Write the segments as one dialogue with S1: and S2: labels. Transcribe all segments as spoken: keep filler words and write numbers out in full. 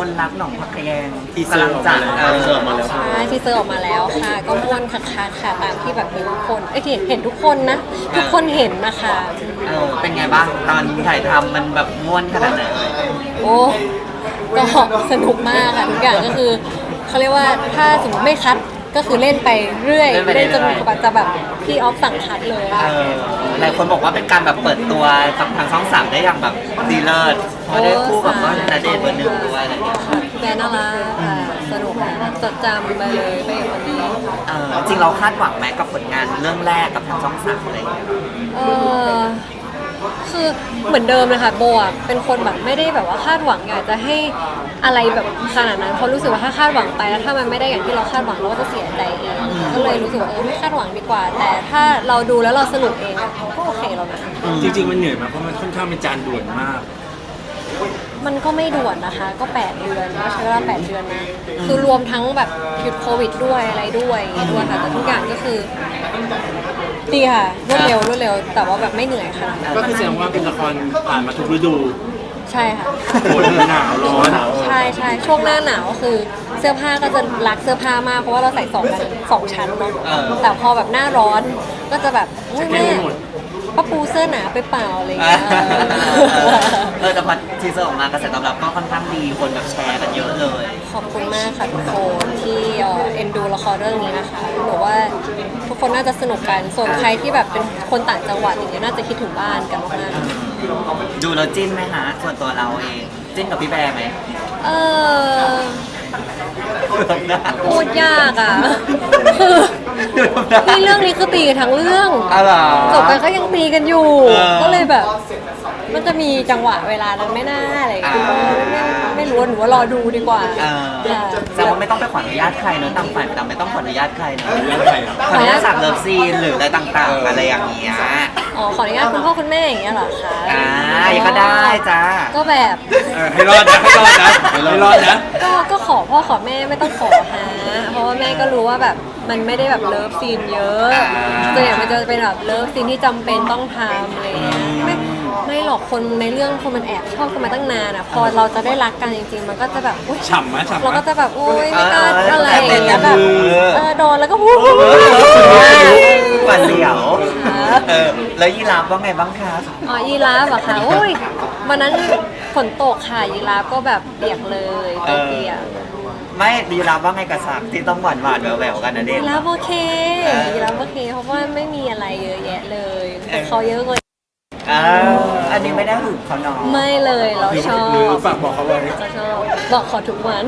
S1: คนรักหนองพักแยง
S2: ทีเซอร์ออกมาแล้ว
S1: เออ
S2: ทีเซอร์ออกมาแล้ว
S3: ใช่ทีเซอร์ออกมาแล้วค่ะ ก็ม่วนคักๆค่ะตามที่แบบเห็นทุกคนเอ้ยเห็นเห็นทุกคนนะทุกคนเห็นนะคะ
S1: เออเป็นไงบ้างตอนถ่ายทำมันแบบม่วนขนาดไหนเอ่ย
S3: โอ้ก็สนุกมากค่ะทุกอย่างก็คือเขาเรียกว่าถ้าสมมติไม่คัดก็คือเล่นไปเรื่อยเล่นจนกว่าจะแบบพี่ออฟสั่งคัดเลย
S1: เออหลายคนบอกว่าเป็นการแบบเปิดตัวกับทางช่องสามได้อย่างแบบดีเลิศเพราะได้คู่กับว่าณเดชน์เบอร์หนึ่งด้วยอะไรอย่างเงี้ย
S3: แบรนด์น่ารักค่ะสนุกค่ะจดจำไปเลยไปกับคนนี้
S1: เออจริงเราคาดหวังไหมกับผลงานเรื่องแรกกับทางช่องสามอะไรอย่างเงี้ย
S3: เออคือเหมือนเดิมเลยค่ะโบอ่ะเป็นคนแบบไม่ได้แบบว่าคาดหวังอยากจะให้อะไรแบบขนาดนั้นเพราะรู้สึกว่าถ้าคาดหวังไปแล้วถ้ามันไม่ได้อย่างที่เราคาดหวังเราก็จะเสียใจเองก็เลยรู้สึกว่าเออไม่คาดหวังดีกว่า แต่ถ้าเราดูแล้วเราสนุกเองอะก็โอเคแล้วนะ
S2: จริงๆมันเหนื่อยมากเพราะมันค่อนข้างเป็นจานด่วนมาก
S3: มันก็ไม่ด่วนนะคะ ก็แปดเดือนก็ใช้เวลาแปดเดือนนะคือรวมทั้งแบบหยุดโควิดด้วยอะไรด้วยอย่างเงี้ยด้วยค่ะแต่ทุกอย่างก็คือดีค่ะรวดเร็วรวดเร็วแต่ว่าแบบไม่เหนื่อยค่ะ
S2: ก็คือแสดงว่าเป็นละครผ่านมาทุกฤดู
S3: ใช่ค่ะ
S2: ฝนหนาวร้อน
S3: ใช่ใช่ช่วงหน้าหนาวก็คือเสื้อผ้าก็จะรักเสื้อผ้ามากเพราะว่าเราใส่สองกันสองชั้นเนาะแต่พอแบบหน้าร้อนก็จะแบบอุ๊ยแม่ป้าปูเสื้อหนาไปเปล่าอะไรอย่างเงี้ย
S1: เออแต่พอทีเซอร์ออกมากระแสตอบรับก็ค่อนข้างดีคนแบบแชร์กันเยอะเลย
S3: ขอบคุณมากค่ะทุกคนที่เอ่อเอ็นดูละครเรื่องนี้นะคะหนูว่าทุกคนน่าจะสนุกกันส่วนใครที่แบบเป็นคนต่างจังหวัดอย่างเงี้ยน่าจะคิดถึงบ้านกันมากๆ
S1: ดูแล้วจิ้นไหมฮะส่วนตัวเราเองจิ้นกับพี่แบร์ไหม
S3: เออ
S1: ดูทำหน้า
S3: พูดยากอ่ะคือ
S1: ดูทำหน้า
S3: นี่เรื่องนี้คือตีกันทั้งเรื่อง
S1: อะไรอ
S3: จบไปก็ยังตีกันอยู่
S1: เออ
S3: ก็เลยแบบ มันจะมีจังหวะเวลานั้นไม่น่าอะไรอย่างเงี้ย
S1: อ่า
S3: ไม่ไม่รู้ว่าหนูว่ารอดูดีกว่า
S1: เออ
S3: ค่ะ
S1: แสดงว่าไม่ต้องไปขออนุญาตใครเนอะต่างฝ่ายต่างไม่ต้องขออนุญาตใครเนอะ
S2: แล้วใครอ่ะ
S1: ขออนุญาตฉากเลิฟซีนหรืออะไรต่างๆ อะไรอย่างเงี้ย
S3: อ๋อขออนุญาตคุณพ่อคุณแม่อย่างเงี้ยเหรอคะ
S1: อ่าก็ได้จ้า
S3: ก็แบบ
S2: เออให้รอดนะให้รอดนะให้รอดนะ
S3: ก็ก็ขอพ่อขอแม่ไม่ต้องขอหาเพราะว่าแม่ก็รู้ว่าแบบมันไม่ได้แบบเลิฟซีนเยอะส่วนใหญ่มันจะเป็นแบบเลิฟซีนที่จำเป็นต้องทำอะไรเงี้ยไม่ไม่หรอกคนในเรื่องคนมันแอบชอบกันมาตั้งนานอ่ะพอเราจะได้รักกันจริงๆ มันก็จะแบบอุ๊ย
S2: ฉ่ำไหมฉ่ำไหม
S3: เราก็จะแบบโอ๊ยไม่กล้า
S1: เออ
S3: อะไรอย่างเงี้ยแบบ
S1: เออ
S3: เออโดนแล้วก็พูด
S1: หวานเสียวเออแล้วยีราฟว่าไงบ้างคะ
S3: อ๋อยีราฟเหรอคะโอ้ยวันนั้นฝนตกค่ะยีราฟก็แบบเปียกเลยตัวเปียก
S1: ไม่ยีราฟว่าไงกับฉากที่ต้องหวานหวานๆแหววๆกันนะเด็ก
S3: ยีราฟโอเค
S1: เออ
S3: ยีราฟโอเคเพราะว่าไม่มีอะไรเยอะแยะเลยแต่เขาเยอะกว่า
S1: อ้าว อันนี้ไม่ได้หึงเขาเนาะ
S3: ไม่เลยเรา
S2: หรือ
S3: ชอบ
S2: หรือฝากบอกเขาไว้
S3: เราชอบบอกขอทุกวัน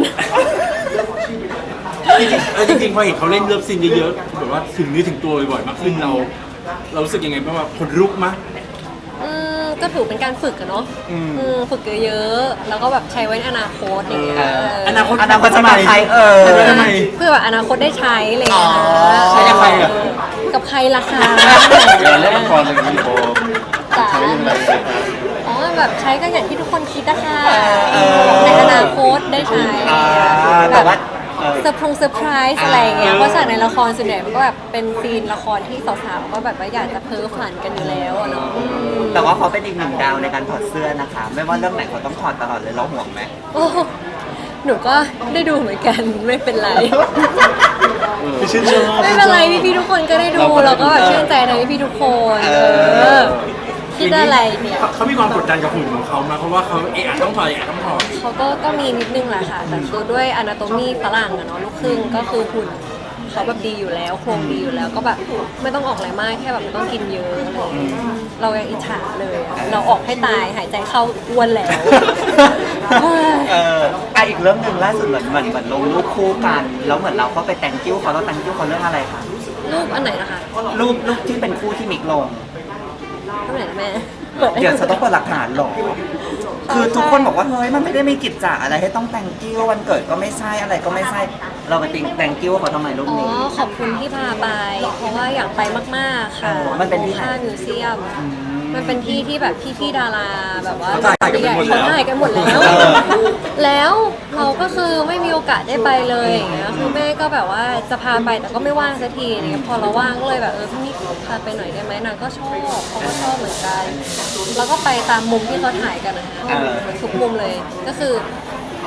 S2: จริงๆเออจริงๆพอเห็นเขาเล่นเลิฟซีนเยอะๆแบบว่าถึงเนื้อถึงตัวบ่อยๆมากขึ้นเรา เรารู้สึกยังไงบ้างว่าคนลุกมั้ย
S3: อืมก็ถือเป็นการฝึกอะเนาะ
S1: อืม
S3: อืมฝึกเยอะๆแล้วก็แบบใช้ไว้ในอนาคตอย่างเงี้ย
S1: เออ
S2: อนาคต
S1: อนาคตจะมาใครเออ
S2: ใช่ไหม
S3: เพื่อแบบอนาคตได้ใช้อะไรอย่างเงี้ย
S1: อ๋อ
S2: ใช้กับใครอะ
S3: กับใครล่ะคะ
S4: เวลาเล่นละครอะไรอย่างนี้โบ
S3: จ๋า
S4: ใช้ยังไงครับ
S3: อ๋อแบบใช้ก็อย่างที่ทุกคนคิดนะคะ
S1: เออ
S3: ในอนาคตได้ใช้
S1: อ่า
S3: แบ
S1: แต่
S3: บ
S1: ว่าเออ
S3: เซอร์พรงเซอร์ไพรส์อะไรอย่างเงี้ยเพราะฉากในละครส่วนใหญ่มันก็แบบเป็นซีนละครที่สาวๆก็แบบว่าอยากจะเพ้อฝันกันอยู่แล้วอะเนาะอืม
S1: แต่ว่าเขาเป็นอีกหนึ่งดาวในการถอดเสื้อนะคะ ไม่ว่าเรื่องไหนเขาต้องถอดตลอดเลยเราห่วงไหม
S3: โอ้หนูก็ได้ดูเหมือนกันไม่เป็นไร
S2: คือชื่นชอบ
S3: ไม่เป็นไรพี่ๆทุกคนก็ได้ดูเราก็แบบชื่นใจในพี่ๆทุกคน
S1: เอ
S3: เอ
S1: อ
S3: อคิดอะไรเนี่ย
S2: เขาเขามีความกดดันกับหุ่นของเขามาเพราะว่าเขาเอะอะต้องถอยเอะอะต้องถอย
S3: เขาก็ก็มีนิดนึงแหละค่ะแต่คือด้วยอนาโตมีฝรั่งอะเนาะลูกครึ่งก็คือหุ่นเขาแบบดีอยู่แล้วโครงดีอยู่แล้วก็แบบไม่ต้องออกอะไรมากแค่แบบไม่ต้องกินเยอะอะไรอย่างเงี้ยเรายังอิจฉาเลยอะเราออกให้ตายหายใจเข้าอ้วนแล้ว
S1: เอออ่ะอีกเรื่องหนึ่งล่าสุดเหมือนเหมือนเหมือนลงรูปคู่กัน แล้วเหมือนเราก็ไปแต่งกิ้วเขาเราแต่งกิ้วเขาเรื่องอะไรคะ
S3: รูปอันไหนนะคะ
S1: รูปรูปที่เป็นคู่ที่มิกลง
S3: รูปไหนนะแม่เปิดให้
S1: เดี๋ยว
S3: ดู
S1: จะต้องเปิดหลักฐานเหรอ คือทุกคนบอกว่าเฮ้ยมันไม่ได้มีกิจจะอะไรให้ต้องแต่งกิ้ววันเกิดก็ไม่ใช่อะไรก็ไม่ใช่ เราไปติงแต่งกิ้วเขาทำไมรูป
S3: อ๋อ
S1: นี้
S3: ขอบคุณที่พาไป เพราะว่าอยากไปมากๆค่ะ
S1: มันเป็นที่ไหน
S3: ค่ามิวเซียม มันเป็นที่ที่แบบพี่ๆดาราแบบว่า
S2: เขาถ่ายกันไปหมดแล้ว
S3: เขาถ่ายกันหมดแล้ว
S1: เออ
S3: แล้วเราก็คือไม่มีโอกาสได้ไปเลยอย่างเงี้ยคือแม่ก็แบบว่าจะพาไปแต่ก็ไม่ว่างสักทีอย่างเงี้ยพอเราว่างก็เลยแบบเออพี่นี่พาไปหน่อยได้ไหมนางก็ชอบเขาก็ชอบเหมือนกันแล้วก็ไปตามมุมที่เขาถ่ายกันนะคะทุกมุมเลยก็คือ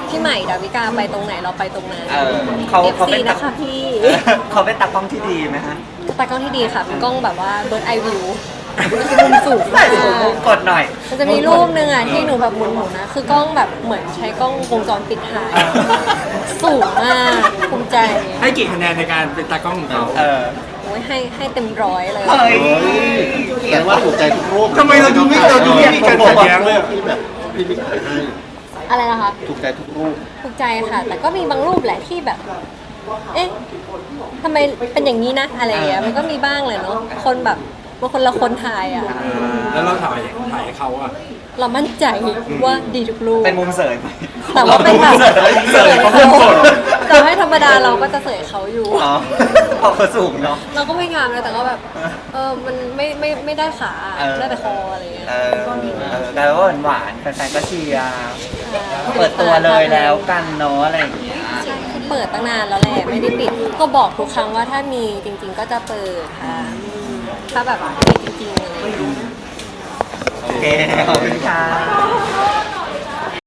S3: พี่ใหม่ดาวิกาไปตรงไหนเราไปตรงนั้น
S1: เออเขา
S3: เอฟ
S1: เขา
S3: ซี
S1: เป็นตา
S3: นะคะพี่
S1: เออเขาเป็นตากล้องที่ดีไหมฮะ
S3: ตากล้องที่ดีค่ะเป็นกล้องแบบว่าเบิร์ดไอวิวมุมสูง
S1: ใส่
S3: มาก
S1: สูงมุมกดหน่อย
S3: มันจะมีรูปนึงอ่ะที่หนูแบบหมุนๆนะคือกล้องแบบเหมือนใช้กล้องวงจรปิดถ่ายสูงมากภูมิใจ
S2: ให้กี่คะแนนในการเป็นตากล้องของเขา
S1: เออ
S3: โอ้ยให้ให้เต็มร้อยเลย
S1: เฮ้ย
S4: แสดงว่าถูกใจทุกรูป
S2: ทำไมเราดูไม่เราดูไม่มีการขัดแย้งเลยอะ
S4: ที่แบบพี่บิ๊กถ่ายให้
S3: อะไรนะคะ
S4: ถูกใจทุกรูป
S3: ถูกใจค่ะ แต่ก็มีบางรูปแหละที่แบบ เอ๊ะทำไมเป็นอย่างนี้นะอะไรอย่างเงี้ยมันก็มีบ้างเลยเนาะคนแบบบางคนละคนถ่ายอ่ะ
S2: แล้วเราถ่ายถ่ายให้เขาอะ
S3: เรามั่นใจว่าดีทุกรูป
S1: เป็นมุมเสยไหม
S3: แต่ว่าเป็นแบบ
S1: เสยเขาเป็นกด
S3: แต่ให้ธรรมดาเราก็จะเสยเขาอยู่
S1: อ๋อเพราะเขาสูงเนาะ
S3: เราก็ไม่งามนะแต่ก็แบบ เออมันไม่ไม่ไม่ได้ขา
S1: เออ
S3: ได้แต่คออะไรอย่างเงี้ย
S1: เออเออแต่ว่าหวานๆแฟนๆก็เชียร์เปิดตัวเลยแล้วกันเนาะอะไรอย่างเงี้ย
S3: ใช่คือเปิดตั้งนานแล้วแหละไม่ได้ปิด ก็บอกทุกครั้งว่าถ้ามีจริง ๆ ก็จะเปิดค่ะอืมถ้าแบบมีจริงๆอะไรอย่างเงี้ย
S1: โอเค ขอบคุณค่ะ